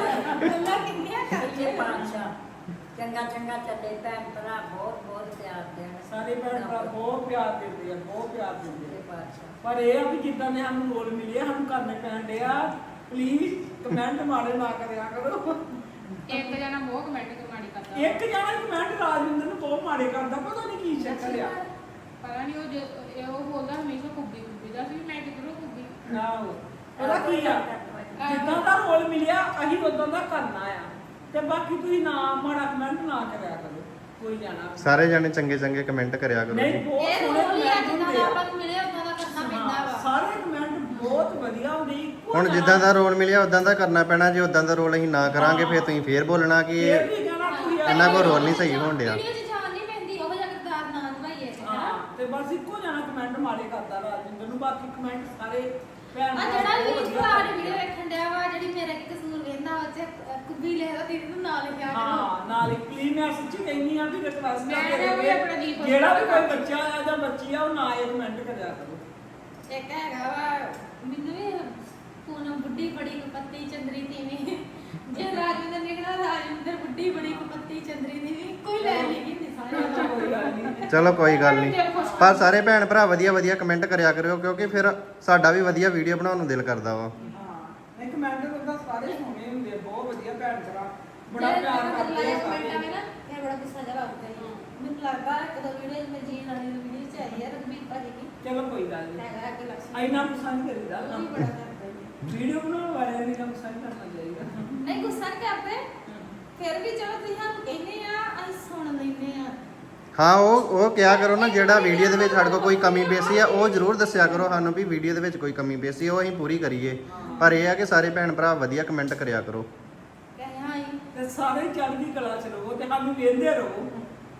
[SPEAKER 2] ਗੱਲਾਂ ਕਿੰਨੀਆਂ
[SPEAKER 5] ਸੱਚੇ
[SPEAKER 2] ਕਰਦੀਆਂ
[SPEAKER 5] ਪਾਤਸ਼ਾਹ ਚੰਗਾ ਚੰਗਾ ਚੱਲੇ ਭੈਣ ਭਰਾ ਬਹੁਤ ਬਹੁਤ ਪਿਆਰ ਦੇਣ
[SPEAKER 4] ਸਾਰੇ ਭੈਣ ਭਰਾ ਬਹੁਤ ਪਿਆਰ ਦਿੰਦੇ ਆ, ਬਹੁਤ ਪਿਆਰ ਦਿੰਦੇ
[SPEAKER 5] ਸੱਚੇ
[SPEAKER 4] ਆ।
[SPEAKER 5] ਪਾਤਸ਼ਾਹ
[SPEAKER 4] ਪਰ ਇਹ ਆ ਵੀ ਜਿੱਦਾਂ ਦੇ ਸਾਨੂੰ ਰੋਲ ਮਿਲੇ ਸਾਨੂੰ ਕਰਨੇ ਪੈਣ ਡਿਆ। ਪਲੀਜ਼ ਕਮੈਂਟ ਮਾੜੇ ਨਾ ਕਰਿਆ ਕਰੋ।
[SPEAKER 3] ਇੱਕ ਜਣਾ ਬਹੁਤ ਕਮੈਂਟ ਮਾੜੀ ਕਰਦਾ
[SPEAKER 4] ਇੱਕ ਜਣਾ ਕਮੈਂਟ ਰਾਜਿੰਦਰ ਨੂੰ ਬਹੁਤ ਮਾੜੇ ਕਰਦਾ, ਪਤਾ ਨਹੀਂ ਕੀ ਚੱਕਰ ਆ।
[SPEAKER 3] ਪਤਾ ਨਹੀਂ ਉਹ ਬੋਲਦਾ ਹਮੇਸ਼ਾ ਕੁੱਬੀ ਕੁੱਬੀ ਦਾ ਸੀ ਮੈਂ ਕਿਧਰੋਂ ਕੁੱਬੀ
[SPEAKER 4] ਆਹੋ ਉਹਦਾ ਕੀ ਆ, ਜਿੱਦਾਂ ਦਾ ਰੋਲ ਮਿਲਿਆ ਅਸੀਂ ਉਦਾਂ ਦਾ ਕਰਨਾ ਆ। ਤੇ ਬਾਕੀ ਤੁਸੀਂ ਨਾ ਮਾੜਾ ਕਮੈਂਟ ਨਾ ਕਰਿਆ ਕਰੋ ਕੋਈ ਜਾਣਾ।
[SPEAKER 1] ਸਾਰੇ ਜਾਣੇ ਚੰਗੇ ਚੰਗੇ ਕਮੈਂਟ ਕਰਿਆ ਕਰੋ
[SPEAKER 4] ਨਹੀਂ
[SPEAKER 1] ਜੀ।
[SPEAKER 4] ਬਹੁਤ
[SPEAKER 2] ਇਹ
[SPEAKER 4] ਸੋਹਣੇ
[SPEAKER 2] ਰੋਲ ਹੀ ਆ
[SPEAKER 4] ਕਮੈਂਟ
[SPEAKER 2] ਜਿੱਦਾਂ
[SPEAKER 4] ਹੁੰਦੇ
[SPEAKER 2] ਦਾ
[SPEAKER 4] ਆ।
[SPEAKER 2] ਆਪਾਂ ਨੂੰ ਮਿਲਿਆ ਉਦਾਂ ਦਾ ਕਰਨਾ ਪੈਂਦਾ
[SPEAKER 4] ਹਾਂ,
[SPEAKER 2] ਵਾ
[SPEAKER 4] ਸਾਰੇ ਕਮੈਂਟ ਬਹੁਤ ਵਧੀਆ ਹੁੰਦੇ ਇੱਕੋ
[SPEAKER 1] ਹੁਣ
[SPEAKER 4] ਜਿਹਾ।
[SPEAKER 1] ਜਿੱਦਾਂ ਦਾ ਰੋਲ ਮਿਲਿਆ ਉਦਾਂ ਦਾ ਕਰਨਾ ਪੈਣਾ। ਜੇ ਉਦਾਂ ਦਾ ਰੋਲ ਅਸੀਂ ਨਾ ਕਰਾਂਗੇ ਫਿਰ ਤੁਸੀਂ ਫੇਰ ਬੋਲਣਾ ਕਿ
[SPEAKER 4] ਇਹ
[SPEAKER 1] ਇਹ
[SPEAKER 4] ਵੀ ਕਹਿਣਾ ਤੁਸੀਂ ਆ-
[SPEAKER 1] ਇਹਨਾਂ ਕੋਲ ਰੋਲ ਨਹੀਂ ਸਹੀ ਹੋਣ ਡਿਆ।
[SPEAKER 2] ਵੀਡੀਓ 'ਚ ਜਾਣ ਨਹੀਂ ਪੈਂਦੀ ਉਹ ਜਿਹਾ ਕਿਰਦਾਰ ਨਾ ਨਿਭਾਈਏ
[SPEAKER 4] ਹਾਂ ਤੇ ਬਸ ਇੱਕੋ ਜਣਾ ਕਮੈਂਟ ਮਾੜੇ ਕਰਦਾ ਰਾਜਿੰਦਰ ਨੂੰ, ਬਾਕੀ ਕਮੈਂਟ ਸਾਰੇ ਭੈਣ
[SPEAKER 2] ਆ
[SPEAKER 4] ਭਰਾ
[SPEAKER 2] ਜਿਹੜਾ
[SPEAKER 4] ਬਹੁਤ
[SPEAKER 2] ਵੀ
[SPEAKER 4] ਵਧੀਆ
[SPEAKER 2] ਭਰਾ ਦੀ
[SPEAKER 4] ਕਰਦੇ
[SPEAKER 2] ਵੀਡੀਓ
[SPEAKER 4] ਆ।
[SPEAKER 2] ਵੇਖਣ ਡਿਆ ਵਾ ਜਿਹੜੀ ਮੇਰਾ ਕੀ ਕਸੂਰ ਵੇਂਦਾ ਉਹ ਚ ਕੁੱਬੀ ਲਿਖਦਾ ਦੀਦੀ ਨੂੰ ਨਾਲ ਲਿਖਿਆ ਕਰੋ
[SPEAKER 4] ਹਾਂ ਨਾਲ ਹੀ ਮੈਂ ਸੱਚੀ ਕਹਿੰਦੀ ਆ ਵੀ ਰਿਕਵੈਸਟ
[SPEAKER 3] ਮੈਂ ਵੀ ਆਪਣਾ ਜੀ ਖੁਸ਼
[SPEAKER 4] ਜਿਹੜਾ ਵੀ ਕੋਈ
[SPEAKER 3] ਕਰਦਾ।
[SPEAKER 4] ਬੱਚਾ ਆ ਜਾਂ ਬੱਚੀ ਆ ਉਹ ਨਾ ਇਹ ਕਮੈਂਟ ਕਰਿਆ ਕਰੋ।
[SPEAKER 2] ਇੱਕ ਹੈਗਾ ਵਾ ਮੈਨੂੰ ਵੀ ਪੂਨਮ ਬੁੱਢੀ ਬੜੀ ਕਪੱਤੀ ਚੰਦਰੀ ਤੀਵੀਂ ਜੇ ਰਾਜਵਿੰਦਰ ਨਿਕਲਾ ਰਾਜਵਿੰਦਰ ਬੁੱਢੀ ਬੜੀ ਕਪੱਤੀ ਚੰਦਰੀ ਤੀਵੀਂ ਕੋਈ ਲੈ ਨਹੀਂ ਹੁੰਦੀ ਸਾਰੇ
[SPEAKER 4] ਕੋਈ ਗੱਲ ਨਹੀਂ।
[SPEAKER 1] ਚਲੋ ਕੋਈ ਗੱਲ ਨਹੀਂ। ਪਰ ਸਾਰੇ ਭੈਣ ਭਰਾ ਵਧੀਆ ਵਧੀਆ ਕਮੈਂਟ ਕਰਿਆ ਕਰਿਓ ਕਿਉਂਕਿ ਫਿਰ ਸਾਡਾ ਵੀ ਵਧੀਆ ਵੀਡੀਓ ਬਣਾਉਣ ਨੂੰ ਦਿਲ ਕਰਦਾ ਵਾ।
[SPEAKER 4] ਹਾਂ ਨਹੀਂ ਕਮੈਂਟ ਤਾਂ ਸਾਰੇ ਸੋਹਣੇ ਹੁੰਦੇ ਆ, ਬਹੁਤ ਵਧੀਆ ਭੈਣ ਭਰਾ ਬੜਾ ਪਿਆਰ ਕਰਦੇ ਆ
[SPEAKER 2] ਕਮੈਂਟ
[SPEAKER 4] ਸਾਰੇ।
[SPEAKER 2] ਆਵੇ ਨਾ ਇਹ ਬੜਾ ਗੁੱਸਾ ਜਿਹਾ ਲੱਗਦਾ ਹੈ ਮੈਨੂੰ ਲੱਗਦਾ ਇੱਕ ਦੋ ਵੀਡੀਓ ਮੈਂ ਜੀ ਨਾਲੀ ਦੀ ਵੀਡੀਓ ਚ ਆਈ ਹੈ ਰਘਬੀਰ ਭਾਜੀ ਦੀ
[SPEAKER 4] ਚਲੋ ਕੋਈ ਗੱਲ ਨਹੀਂ।
[SPEAKER 2] ਹੈਗਾ ਕਿ ਲక్ష్ਮੀ
[SPEAKER 4] ਇੰਨਾ ਗੁੱਸਾ ਨਹੀਂ ਕਰੀਦਾ।
[SPEAKER 2] ਉਹ ਵੀ ਬੜਾ ਕਰਦਾ ਹੈ
[SPEAKER 4] ਵੀਡੀਓ ਬਣਾਉਣ ਵਾਲਿਆਂ ਨੇ ਕੰਮ ਸਹੀ ਕਰਨਾ ਚਾਹੀਦਾ।
[SPEAKER 2] ਨਹੀਂ ਗੁੱਸਾ ਨਹੀਂ ਕਰਦੇ ਫਿਰ ਵੀ ਚਲੋ ਤੁਸੀਂ ਸਾਨੂੰ ਕਹਿੰਦੇ ਆ ਅਸੀਂ ਸੁਣ ਲੈਂਦੇ ਆ
[SPEAKER 1] ਹਾਂ ਉਹ ਕਿਹਾ ਕਰੋ ਨਾ ਜਿਹੜਾ ਵੀਡੀਓ ਦੇ ਵਿੱਚ ਸਾਡੇ ਕੋਲ ਕੋਈ ਕਮੀ ਪੇਸ਼ੀ ਆ ਉਹ ਜ਼ਰੂਰ ਦੱਸਿਆ ਕਰੋ ਸਾਨੂੰ ਵੀ ਵੀਡੀਓ ਦੇ ਵਿੱਚ ਕੋਈ ਕਮੀ ਪੇਸ਼ੀ ਉਹ ਅਸੀਂ ਪੂਰੀ ਕਰੀਏ। ਪਰ ਇਹ ਆ ਕਿ ਸਾਰੇ ਭੈਣ ਭਰਾ ਵਧੀਆ ਕਮੈਂਟ ਕਰਿਆ ਕਰੋ।
[SPEAKER 2] ਕਹੇ ਹਾਂ ਜੀ
[SPEAKER 4] ਤੇ ਸਾਰੇ ਚੜ੍ਹਦੀ ਕਲਾ ਚ ਰਹੋ ਤੇ ਸਾਨੂੰ ਵੇਖਦੇ ਰਹੋ।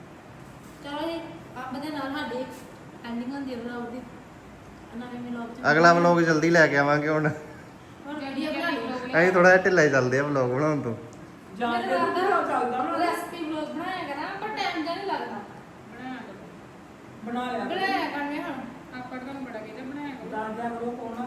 [SPEAKER 2] ਚਲੋ ਜੀ ਅੰਬ ਦੇ ਨਾਲ ਸਾਡੀ ਐਂਡਿੰਗ ਹੁੰਦੀ ਹੈ ਵਲੌਗ ਦੀ ਨਵੇਂ ਵਲੌਗ ਚ
[SPEAKER 1] ਅਗਲਾ ਵਲੌਗ ਜਲਦੀ ਲੈ ਕੇ ਆਵਾਂਗੇ ਹੁਣ।
[SPEAKER 2] ਹੁਣ ਵੀਡੀਓ ਬਣਾ ਲਈ
[SPEAKER 1] ਅਸੀਂ ਥੋੜਾ ਜਿਹਾ ਢਿੱਲਾ ਹੀ ਚੱਲਦੇ ਆ ਵਲੌਗ ਬਣਾਉਣ ਤੋਂ।
[SPEAKER 4] ਜਾਂ ਤੇ ਚੱਲਦਾ ਨਾ
[SPEAKER 2] ਰੈਸਪੀ ਵਲੌਗ ਬਣਾਇਆ ਕਰਾਂ ਪਰ ਟਾਈਮ ਜਿਹਾ ਨਹੀਂ ਲੱਗਦਾ
[SPEAKER 4] ਬਣਾ ਲਿਆ
[SPEAKER 2] ਬਣਾਇਆ ਕਰਨੇ ਹੁਣ
[SPEAKER 3] ਆਪਾਂ ਤੁਹਾਨੂੰ ਬੜਾ ਕਹਿੰਦੇ ਬਣਾਇਆ ਕਰੋ।
[SPEAKER 4] ਦਾਦਿਆ ਕਰੋ ਕੋਣਾ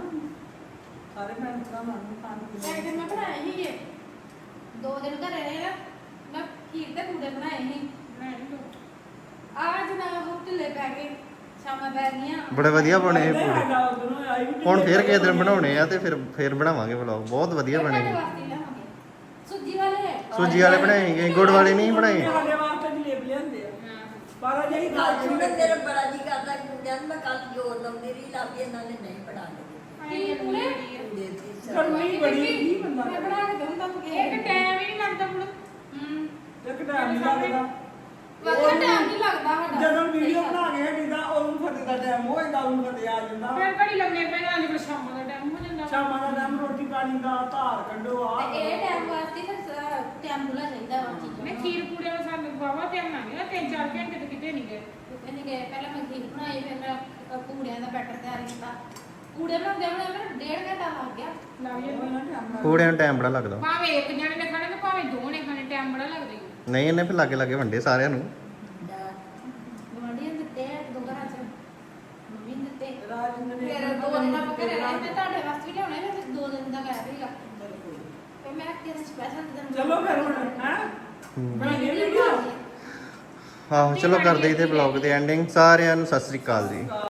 [SPEAKER 4] ਸਾਰੇ ਭੈਣ ਭਰਾ ਨੂੰ ਖਾਣ
[SPEAKER 2] ਇੱਕ ਦਿਨ ਮੈਂ ਬਣਾਏ ਸੀਗੇ 2 ਦਿਨ ਘਰੇ ਰਹੇ ਨਾ ਮੈਂ ਖੀਰ ਤੇ ਪੂੜੇ ਬਣਾਏ ਸੀ
[SPEAKER 3] ਬਣਾਇਆ ਨੀ ਤੂੰ?
[SPEAKER 2] ਅੱਜ ਨਾ ਉਹ ਢਿੱਲੇ ਪੈ ਗਏ ਸ਼ਾਮਾਂ ਪੈ ਗਈਆਂ
[SPEAKER 1] ਬੜੇ ਵਧੀਆ ਬਣੇ ਇਹ ਪੂਰੇ।
[SPEAKER 4] ਪੂਰੇ
[SPEAKER 1] ਹੁਣ ਫੇਰ ਕਿਸੇ ਦਿਨ ਬਣਾਉਣੇ ਆ ਤੇ ਫਿਰ ਬਣਾਵਾਂਗੇ ਵਲੌਗ। ਬਹੁਤ ਵਧੀਆ ਬਣੇ
[SPEAKER 2] ਤੁਹਾਡੇ
[SPEAKER 1] ਨੇ।
[SPEAKER 2] ਵਾਸਤੇ ਲਿਆਵਾਂਗੇ ਸੂਜੀ ਵਾਲੇ
[SPEAKER 1] ਸੂਜੀ ਵਾਲੇ ਬਣਾਏ ਸੀਗੇ, ਗੁੜ ਵਾਲੇ ਨਹੀਂ ਬਣਾਏ।
[SPEAKER 4] ਸਾਡੇ ਵਾਸਤੇ ਜਲੇਬ ਲਿਆਂਦੇ ਆ
[SPEAKER 3] ਹਾਂ
[SPEAKER 4] ਪਰ ਜਿਹੜੀ
[SPEAKER 5] ਗੱਲ
[SPEAKER 4] ਗੱਲ
[SPEAKER 5] ਸੁਣ ਮੇਰਾ ਬੜਾ ਜੀ ਕਰਦਾ ਕਿ ਮੁੰਡਿਆਂ ਨੂੰ ਮੈਂ ਕੱਲ ਜੋਰ ਲਾਉਂਦੀ ਰਹੀ ਲਾਗੇ ਇਹਨਾਂ ਨੇ ਨਹੀਂ ਪੜਾ
[SPEAKER 2] ਕੀ ਪੂੜੇ
[SPEAKER 4] ਗਰਮੀ ਬੜੀ ਕੀ ਬੰਦਾ
[SPEAKER 2] ਮੈਂ ਬਣਾ ਕੇ ਦਊਂ ਤਾਂ ਮੁਕੇ
[SPEAKER 3] ਇੱਕ ਟਾਈਮ ਹੀ ਨਹੀਂ ਲੱਗਦਾ ਹੁਣ
[SPEAKER 4] ਇੱਕ ਟਾਈਮ ਨਹੀਂ ਲੱਗਦਾ
[SPEAKER 2] ਵਾਕਈ ਟਾਈਮ ਨਹੀਂ ਲੱਗਦਾ ਸਾਡਾ
[SPEAKER 4] ਜਦੋਂ ਵੀਡੀਓ ਬਣਾ ਕੇ ਹਟੀਦਾ ਉਹਨੂੰ ਫਤੇ ਦਾ ਟਾਈਮ ਹੋ ਜਾਂਦਾ ਉਹਨੂੰ ਫਤੇ ਆ ਜਾਂਦਾ
[SPEAKER 3] ਫਿਰ ਘੜੀ ਲੱਗਣੇ ਪੈਣਾ ਅੱਜ ਸ਼ਾਮ ਦਾ ਟਾਈਮ ਹੋ ਜਾਂਦਾ
[SPEAKER 4] ਸ਼ਾਮਾਂ ਦਾ ਟਾਈਮ ਰੋਟੀ ਪਾਣੀ ਦਾ ਧਾਰ ਕੱਢੋ ਆ
[SPEAKER 2] ਤੇ ਇਹ ਟਾਈਮ ਵਾਸਤੇ ਫਿਰ ਟਾਈਮ ਬੁਲਾ ਚਾਹੀਦਾ ਵਾ ਚੀਜ਼ਾਂ
[SPEAKER 3] ਮੈਂ ਖੀਰ ਪੂੜੇ ਦਾ ਸਾਨੂੰ ਬਾਵਾ ਧਿਆਨ ਆ ਗਿਆ 3-4 ਘੰਟੇ ਤੇ ਕਿਤੇ ਨਹੀਂ ਗਏ
[SPEAKER 2] ਕਹਿੰਦੇ ਗਏ ਪਹਿਲਾਂ ਮੈਂ ਖੀਰ ਬਣਾਈ ਫਿਰ ਮੈਂ ਪੂੜਿਆਂ ਦਾ ਬੈਟਰ ਤਿਆਰ ਕੀਤਾ ਪੂੜੇ ਬਣਾਉਂਦੇ ਮੈਨੂੰ 1.5 ਘੰਟਾ ਲੱਗ ਗਿਆ
[SPEAKER 3] ਲੱਗ ਜਾਂਦਾ
[SPEAKER 1] ਪੂੜਿਆਂ ਨੂੰ ਟਾਈਮ ਬੜਾ ਲੱਗਦਾ।
[SPEAKER 3] ਭਾਵੇਂ ਇੱਕ ਜਣੇ ਨੇ ਖਾਣੇ ਤੇ ਭਾਵੇਂ ਦੋ ਨੇ ਖਾਣੇ ਟਾਈਮ ਬੜਾ ਲੱਗਦਾ ਹੀ
[SPEAKER 1] ਨਹੀਂ ਇਹਨੇ ਫਿਰ ਲਾਗੇ ਲਾਗੇ ਵੰਡੇ ਸਾਰਿਆਂ ਨੂੰ।
[SPEAKER 2] ਗਵਾਂਢੀਆਂ ਨੂੰ ਦਿੱਤੇ ਆ, ਦੋ ਘਰਾਂ ਚ ਮੰਮੀ ਨੂੰ ਦਿੱਤੇ
[SPEAKER 4] ਰਾਜਿੰਦਰ ਨੇ
[SPEAKER 2] ਫਿਰ 2 ਦਿਨ ਆਪਾਂ ਘਰੇ ਰਹੇ ਤੇ ਤੁਹਾਡੇ ਵਾਸਤੇ ਵੀ ਲਿਆਉਣੇ ਨੇ ਫਿਰ 2 ਦਿਨ ਦਾ ਕਹਿ ਰਹੀ ਆ ਤੇ ਮੈਂ ਕਿਹਦੇ ਸਪੈਸ਼ਲ ਦਿਨ
[SPEAKER 4] ਚਲੋ ਫਿਰ ਹੁਣ ਹੈ
[SPEAKER 1] ਹੂੰ।
[SPEAKER 4] ਬਣਾਈਏ ਵੀਡੀਓ
[SPEAKER 1] ਆਹੋ ਚਲੋ ਕਰਦੇ ਇਥੇ ਬਲੌਗ ਦੀ ਐਂਡਿੰਗ। ਸਾਰਿਆਂ ਨੂੰ ਸਤਿ ਸ੍ਰੀ ਅਕਾਲ ਜੀ।